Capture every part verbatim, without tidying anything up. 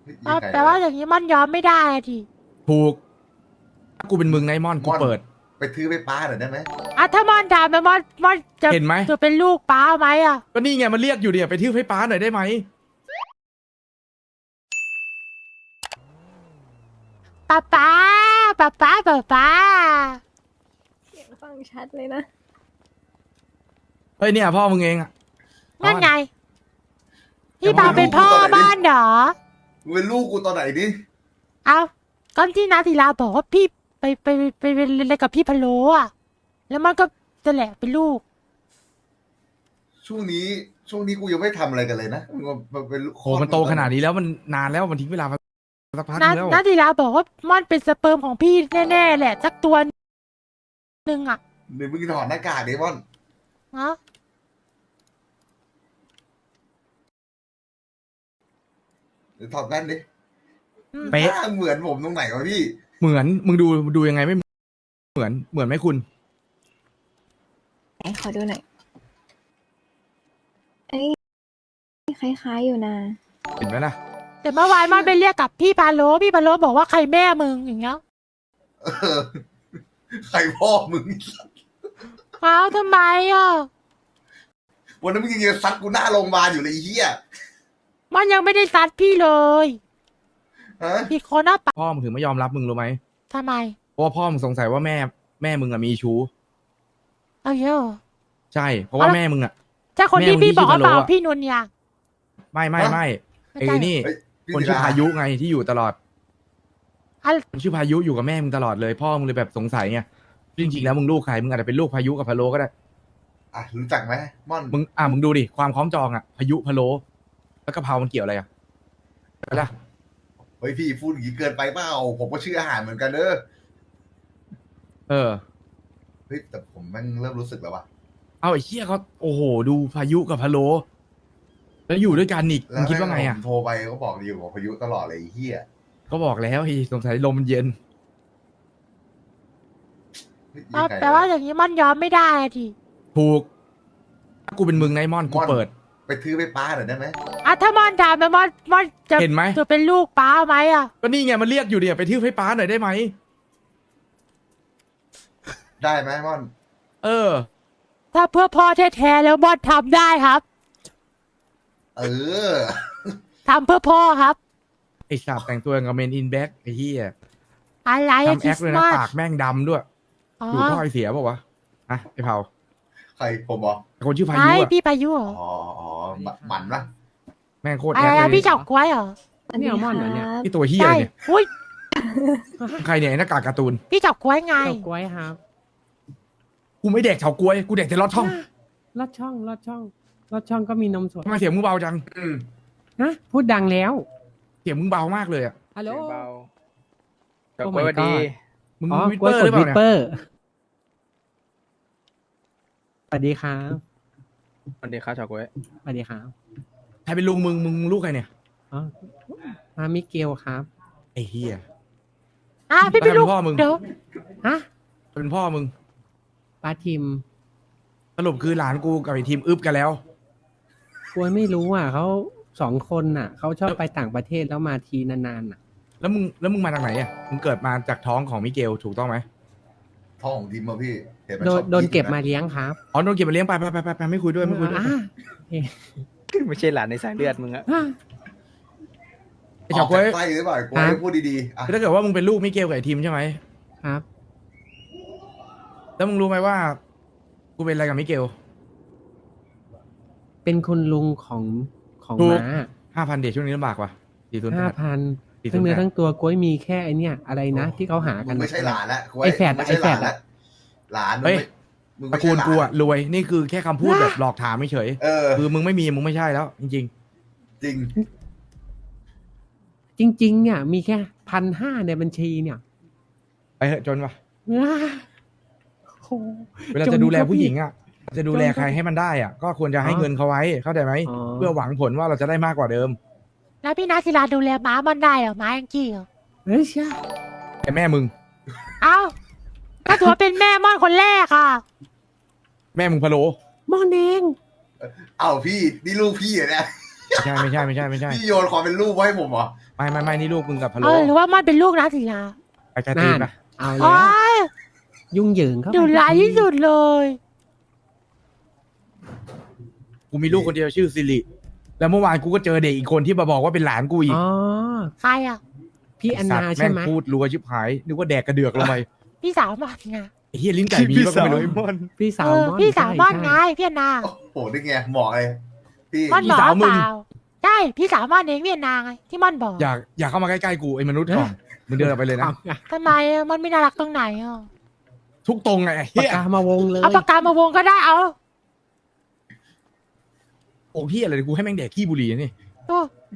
ยิงใครแต่ว่าอย่างนี้มันยอมไม่ได้อะทีถูกถ้ากูเป็นมึงไนมอนกูเปิดไปทื้อไปป้าหน่อยได้ไหมอ่ะถ้ามอนถามไปมอนมอนจะเห็นไหมจะเป็นลูกป้าไหมอ่ะก็นี่ไงมันเรียกอยู่เดี๋ยวไปที่ไฟฟ้าหน่อยได้ไหมป้าป้าป้าป้าป้าป้าเสียงฟังชัดเลยนะเฮ้ยเนี่ยพ่อมึงเองอะนั่นไงพี่ปาเป็นพ่อบ้านเหรอมึงเป็นลูกกูตอนไหนดิเอาก็ที่นาศิลาบอกว่าพี่ไปไปไปไปไปอะไรกับพี่พะโล้อะแล้วมันก็จะแหละเป็นลูกช่วงนี้ช่วงนี้กูยังไม่ทำอะไรกันเลยนะมึงมาเป็นลูกโหมันโตขนาดนี้แล้วมันนานแล้วมันทิ้งเวลามาสักพักนานึงแล้วนาศิลาบอกว่าม่อนเป็นสเปิร์มของพี่แน่ๆแหละสักตัวหนึ่งอะเดี๋ยวมึงถอดหน้ากากเดมอนเนาะเดี๋ยวถอดแว่นดิอืมเป๊ะหน้าเหมือนผมตรงไหนวะพี่เหมือนมึงดูดูยังไงไม่เหมือนเหมือนไหมคุณไหนขอดูหน่อยเอ้ยคล้ายๆอยู่นะเห็นไหมล่ะแต่เมื่อวานม่อนไปเรียกกับพี่พะโล้พี่พะโล้บอกว่าใครแม่มึงอย่างเงี้ยเออใครพ่อมึงอ้าวทำไมอ่ะวันนั้นมึงยังจะซัดกูหน้าโรงพยาบาลอยู่เลยไอ้เหี้ยมันยังไม่ได้ซัดพี่เลยฮะพี่คนหน้าปะพ่อมึงถึงไม่ยอมรับมึงรู้ไหมทำไมเพราะว่าพ่อมึงสงสัยว่าแม่แม่มึงอะมีชู้เอาเยอะใช่เพราะว่าแม่มึงอะใช่คนที่แม่มึงพี่บอกว่าที่ชื่อเปล่าพะโล้อะพี่นุนยางไม่ไม่ไม่ไม่ไอ้ใช่นี่เฮ้ยพี่คนชื่อศิลพายุไงที่อยู่ตลอดอะคนชื่อพายุอยู่กับแม่มึงตลอดเลยพ่อมึงเลยแบบสงสัยไงจริงๆแล้วมึงลูกใครมึงอาจจะเป็นลูกพายุกับพะโลก็ได้อ่ะรู้จักไหมม่อนมึงอ่ะมึงดูดิความคล้องจองอะพายุพะโลแล้วกะเพรามันเกี่ยวอะไรอะไปละเฮ้ยพี่พูดอย่างนี้เกินไปเปล่าผมก็ชื่ออาหารเหมือนกันเด้อเออเฮ้ยแต่ผมแม่งเริ่มรู้สึกแล้วว่ะเอาไอ้เหี้ยเขาโอ้โหดูพายุกับพะโลแล้วอยู่ด้วยกันอีกมึงคิดว่าไงอะผมโทรไปก็บอกอยู่กับพายุตลอดเลยไอ้เหี้ยก็บอกแล้วไอ้สงสัยลมมันเย็นเฮ้ยยิงเอาใครแต่ว่าอย่างนี้มันยอมไม่ได้อะทีถูกถ้ากูเป็นมึงไนมอนกูเปิดไปทื้อไปป้าหน่อยได้ไหมอ่ะถ้ามอนถามไปมอนมอนจะเห็นไหมจะเป็นลูกป้าไหมอ่ะก็นี่ไงมันเรียกอยู่เดี๋ยวไปที่ไฟฟ้าหน่อยได้ไหมได้ไหมม่อนเออถ้าเพื่อพ่อแท้ๆแล้วมอนทำได้ครับเออทำเพื่อพ่อครับไอ้สาบแต่งตัวอย่างกับเมนอินแบ็กไอ้เหี้ยอะไรอะทำคแอริคสเลยต์นะมาสปากแม่งดำด้วยอ๋ออยู่ท่อไอเสียเปล่าวะฮะไอ้เผาใครผมบอกไอ้คนชื่อพาไอ้ยุอะพี่พายุเหรออ๋ออ๋อหมันปะแม่งโคตรอะแอไรคเลอะยพี่เฉาก้วยเหรอสวัสดีเนี่ยมอนเหรอเนี่ยครับพี่ตัวเหี้ยใช่เนี่ยอุ้ยใครเนี่ยไอ้หน้ากากการ์ตูนพี่เฉาก้วยไงเฉาก๊วยครับกูไม่แดกเฉาก๊วยกูแดกแต่ลอดช่องลอดช่องลอดช่องลอดช่องก็มีนมสดทำไมเสียงมึงเบาจังอืมฮะพูดดังแล้วเสียงมึงเบามากเลยอ่ะฮัลโหลเสียงเบาโอ้เฉาก๊วย my สวัสดี god มึงอ๋อวิปกล้เปวยอร์หกรือดเปวิล่าปเนี่ยเปอร์สวัสดีครับสวัสดีครับเฉาก๊วยสวัสดีครับใครเป็นลุงมึงมึงลูกใครเนี่ยอ๋อมามิเกลครับไอ้เหี้ยอ่ะพี่เป็นลูกแล้วใครเป็นพ่อมึงเดี๋ยวฮะเป็นพ่อมึงป้าทิมสรุปคือหลานกูกับไอ้ทีมอึบกันแล้วกล้วยไม่รู้อ่ะเขาสองคนน่ะเขาชอบไปต่างประเทศแล้วมาทีนานๆน่ะแล้วมึงแล้วมึงมาจากไหนอ่ะมึงเกิดมาจากท้องของมิเกลถูกต้องไหมพ่อของทีมมาพี่เห็นมันโดชนอบโดนเก็บคิดมานะเลี้ยงครับอ๋อโดนเก็บมาเลี้ยงไปไปไปไปไปไม่คุยด้วยไม่คุยด้วยอ่ะไม่ใช่หลานในสายเลือดมึงอะอ่ะไอ้เฉาก๊วยออกจกไส้หรือเปล่ากูครับให้พูดดีๆอ่ะถ้าเกิดว่ามึงเป็นลูกมิเกลกับไอ้ทีมใช่ไหมครับแล้วมึงรู้ไหมว่า กูเป็นอะไรกับมิเกลเป็นคุณลุงของของถูกม้าห้าพันเดชช่วงนี้ลำบากว่ะสี่ศูนย์แปห้าดพันสี่ศูทั้นงย์เนื้อแปดทั้งตัวกล้วยมีแค่ไอเนี้ยอะไรนะที่เขาหากัมึนงไม่ใช่หลานละกูไอ้แฝดมึงไม่ใช่หลานไอ้แฝดละหลานมึงเฮ้ยไม่มึงตไม่ระใช่กูลหลานกูอะรวยนี่คือแค่คำพูดแบบหลอกถามไม่เฉยเออคือมึงไม่มีมึงไม่ใช่แล้ว จริงจริงจริงๆเนี่ยมีแค่พันห้าในบัญชีเนี่ยๆ ไปเถอะจนว่ะอ้าโหเวลาจนจะดูแลครับผู้หญิงพี่อ่ะ จะดูแลจนครับใครให้มันได้อ่ะ ก็ควรจะให้อ๋อเงินเขาไว้เข้าใจไหมอ๋อเพื่อหวังผลว่าเราจะได้มากกว่าเดิมแล้วพี่นาศิลาดูแลม้ามันได้เหรอม้ายังกี้เหรอเฮ้ยใช่แต่แม่มึงเอ้าก็ถือว่าเป็นแม่ม่อนคนแรกอ่ะแม่มึงพะโลมอนเองเอ้าพี่นี่ลูกพี่เหรอเนี่ยไม่ใช่ไม่ใช่ไม่ใช่ไม่ใช่พี่โยนความเป็นลูกไว้ให้ผมเหรอไม่ไม่ไม่นี่ลูกมึงกับพะเอโล้อหรือว่ามันเป็นลูกนาศิลาไปกระตีนนั่นปะเอาแล้โอ้วย ยุ่งเหยิงเข้าไปดุร้ายที่สุดเลยกูมีลูกคนเดียวชื่อสิริแล้วเมื่อวานกูก็เจอเด็กอีกคนที่มาบอกว่าเป็นหลานกูอีกอ๋อใครอ่ะพี่แอนนาสัตว์ใช่ไหมแงพูดรัวชิบหายนึกว่าแดกกระเดือกลงไปพี่สาวมันไงไอ้เฮียลิ้นไก่มีพี่บ้างก็สาวไม่รู้ไอ้มอนพี่สาเอวอม่อนพี่สาวมันใช่ไงพี่แอนนาโอ้โหนี่ไงเหมาะเลยพี่มันบอกเปล่าใช่พี่สาวมันเองพี่แอนนาไงที่มันบอกอยากอยากเข้ามาใกล้ๆกูไอ้มนุษย์ก่อนมึงเดินออกไปเลยนะเอาไงทำไมอะมันไม่น่ารักตรงไหนอ่ะทุกตรงไงไอ้ปาเฮีกยกามาวงเลยเอาปากกามาวงก็ได้เอาโอ้พี่อะไรกูให้แม่งแดกขี้บุหรี่นี่โอ้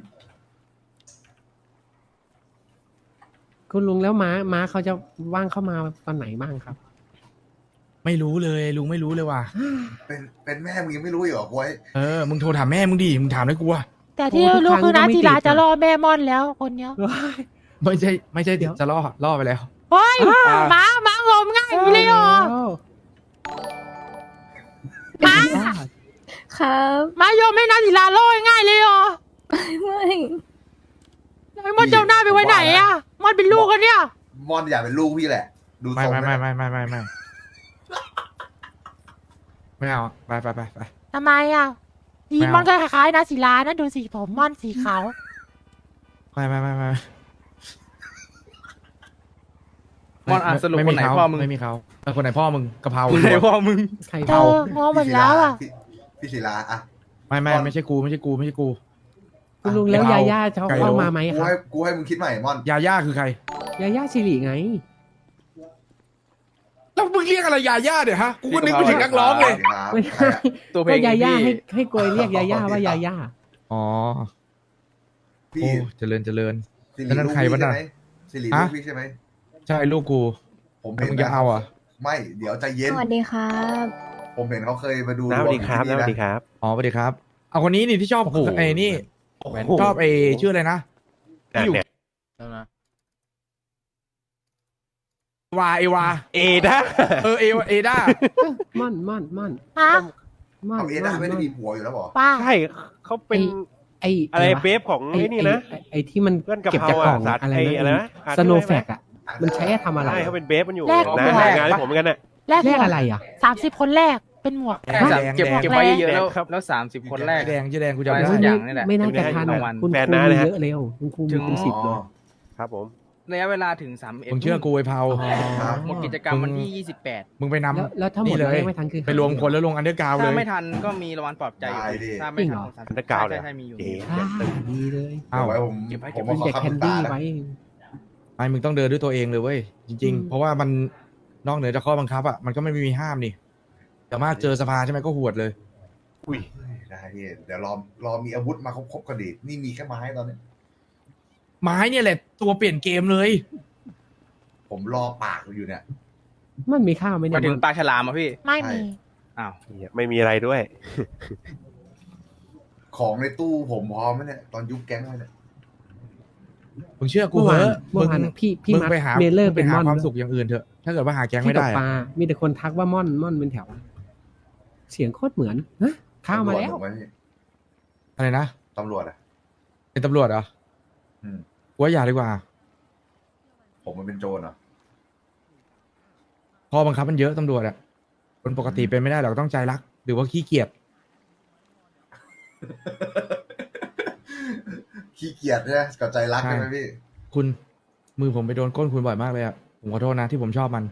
คุณลุงแล้วม้าม้าเขาจะว่างเข้ามาตอนไหนบ้างครับไม่รู้เลยลุงไม่รู้เลยว่ะเป็นเป็นแม่มึงยังไม่รู้อีกเหรอควยเออมึงโทรถามแม่มึงดิมึงถามได้กูวะแต่ที่โอ้ทุกรู้ครั้งคือนาก็ไม่ศิลาติดอะจะรอแม่ม่อนแล้วคนเนี้ยไม่ใช่ไม่ใช่เดี๋ยวจะล่อล่อไปแล้วเฮ้ยอ่าหมาหมางมง่ายอยู่เลยเหรอม้าครับหมาโยมไม่นาศิลาล่อง่ายเลยเหรอไม่ไอ้มันเจ้าหน้าไปไว้ไหนอ่ะมันเป็นลูกกันเนี่ยมอนอยากเป็นลูกพี่แหละ ดูไม่ทรงไม่แล้วไม่ไม่ไม่ไม่ไม่ไม่เอาไปไปไปไปทำไมอ่ะสีไม่เอามัมันก็คล้ายๆนาศิลานะดูสีผมมันสีขาวไม่ไม่ไม่ไม่มอนอ่ะสรุปไม่คมีนไหนเขาพ่อมึงไม่มีเขาเออคนไหนพ่อมึงกะเพราคนไหนพ่อมึงใครเธเผาองงหมดแล้วอ่ะพี่พี่ศิลาอ่ะไม่ไม่ไม่ใช่กูไม่ใช่กูไม่ใช่กูคุณลุงแล้วไก่ยาเผาย่าจะไก่เข้าโลมาไหมกูครับให้กูให้มึงคิดใหม่มอนยาย่าคือใครยาย่าสิริไงแล้วมึงเรียกอะไรยาย่าเนี่ยฮะกูก็นึกไปถึงนักร้องเลยไม่ใครใช่อะตัวเพลก็งยาย่าพี่ให้ให้กวยเรียกยาย่าว่ายาย่าอ๋อพี่โอ้เจริญเจริญสิริแล้วนั่นลูกใครพี่วะใช่น่ะไหมสิริฮะลูกพี่ใช่ไหมใช่ลูกกูผมแล้วเห็นมึงจะเอาอ่ะไม่เดี๋ยวใจเย็นสวัสดีครับผมเห็นเขาเคยมาดูน้าสวัสดีครับดวน้าง สอยู่วัสที่ดีครับอ๋อสวัสดีครับ เอาคนนี้นี่ที่ชอบโอ้โหไอ้นี่โอ้โหชอบไอ้ชื่ออะไรนะเนี่ยเนี่ยวาเอวาเอด้าเออเอวาเอด้าม่อนม่อนม่อนฮะม่อนเอาเอด้าไม่ได้มีผัวอยู่แล้วบอกป้าใช่เขาเป็นไอ้อะไรวเบฟของไอ้ไอ้นี่นะไอ้ไอ้ที่มันเพื่อนกะเก็บเพราจากกล่องอ่ะสัตว์อะไรไอ้อะไรนะนะอ่านสโนได้ไหมแฟกอ่ะ มันใช้ทำอะไรใช่เขาเป็นเบฟมันอยู่แลกนะหมวกงานที่ผมเหมือนกันน่ะแลกแลหมกวกอะไรอ่ะสามสิบคนแรกเป็นหมวกแดงสามแดงเก็บแดงเก็บไว้เยอะๆแล้วครับแล้วสามสิบคนแรกแดงชื่อแดงกูจำไม่ได้สักอย่างนี่แหละไม่น่าจะทันรางอ่ะวัลคุณแฟนครูน้ามีนะฮะเยอะเร็วคุณครูถึมีงเป็นสิบเลยครับผมระยะเวลาถึงสามเอ็ดมึงเชื่อกูไอ้เผาครับหมดกิจกรรมวันที่ยี่สิบแปดมึงไปนำแล้วแล้วถ้าหมดนี่เลแล้วยยังไม่ทันคือไปรวมคนแล้วลงอันเดอร์กราวเลถ้าย ไม่ทันก็มีรางวัลปลอบใจอยู่ได้ดิถ้าไม่ทันอันเดอร์กราวด์เลยใช่ใช่มีอยู่เอ๋อ่าดีเลยอ้าวเดี๋ยวไว้ผมเก็บไว้ผเก็บมไว้มาขอเด็กคำแคนปรึกษาดี้นะไว้ไอ้มึงต้องเดินด้วยตัวเองเลยเว้ยจริงอืมๆ เพราะว่ามันนอกเหนือจากข้อบังคับอ่ะมันก็ไม่มีห้ามนี่แต่มารถเจอสภาใช่ไหมก็หวดเลยอุ้ยได้พี่เดี๋ยวรอรอมีอาวุธมาครบๆก็ดีนี่มีแค่ไม้ตอนนี้ไม้เนี่ยแหละตัวเปลี่ยนเกมเลยผมรอปากอยู่เนี่ยมันมีข้าวไหมเนี่มาย ถึงปลาฉลามอ่ะพี่ไม่มีอ้าวเนี่ยไม่มีอะไรด้วยของในตู้ผมพร้อมไหมเนี่ยตอนยุบแก๊งเลยเนี่ยมึงเชื่อกูเมื่อเหวานอะเมื่อวานมึงนะพี่พี่มึงมัดไปหาเมลเลอร์มึงเป็ไปนหามอนความสุขอย่างอื่นเถอะถ้าเกิดว่าหาแก๊งที่ไม่ตได้กปอะลา มีแต่คนทักว่าม่อนม่อนเป็นแถว เสียงโคตรเหมือนฮะข้าวมาแล้วตำรจผมไหพี่อะไรนะตำรวจอ่ะเป็นตำรวจเหรออืมกูว่าอย่าดีกว่าผมมันเป็นโจรเหรอข้อบังคับมันเยอะตำรวจอะคนปกติเป็นไม่ได้หรอกต้องใจรัก หรือว่าขี้เกียจขี้เกียจเนี่ยกับใจรักใช่ใช่ไหมพี่คุณมือผมไปโดนก้นคุณบ่อยมากเลยอะผมขอโทษนะที่ผมชอบมัน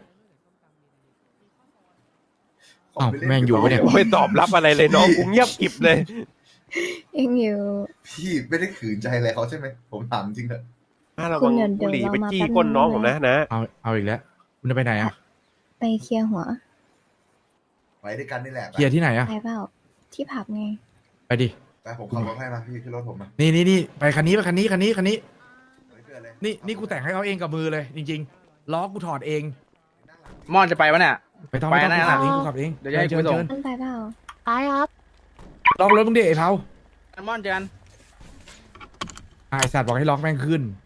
อ้าวแม่งอยู่ปะเนี่ยไม่ตอบรับอะไรเลยน้องกูเงียบกริบเลยยังอยู่พี่ไม่ได้ขืนใจอะไรเขาใช่ไหมผมถามจริงเถอะถ้าเราคุบัณงเดี๋ยวบุหรี่เดี๋ยวไปเรามาจี้แป๊บนึงก้นน้องนะผมนะนะเอาเอาอีกแล้ว คุณจะไปไหนอะไปเคลียร์หัวไว้ด้วยกันนี่แหละเคลียร์ที่ไหนอะไปเปล่า ที่ผับไงไปดิไปผมขับรถให้มาพี่ขึ้นรถผมมานี่นี่นี่ไปคันนี้ไปคันนี้คันนี้คันนี้ไม่เกินเลยนี่นี่กูแต่งให้เขาเองกับมือเลย จริงๆล้อกูถอดเองมอนจะไปวะเนี่ยไปต้องไปต้องไปกูนะขับเองกูขับเองเดี๋ยวจะให้เชิญกูส่งเชิญมันไปเปล่าไปครับล็อกรถมึงดิไอ้เผามอนเจอกันไอ้สัตว์บอกให้ล็อกแม่งขึ้น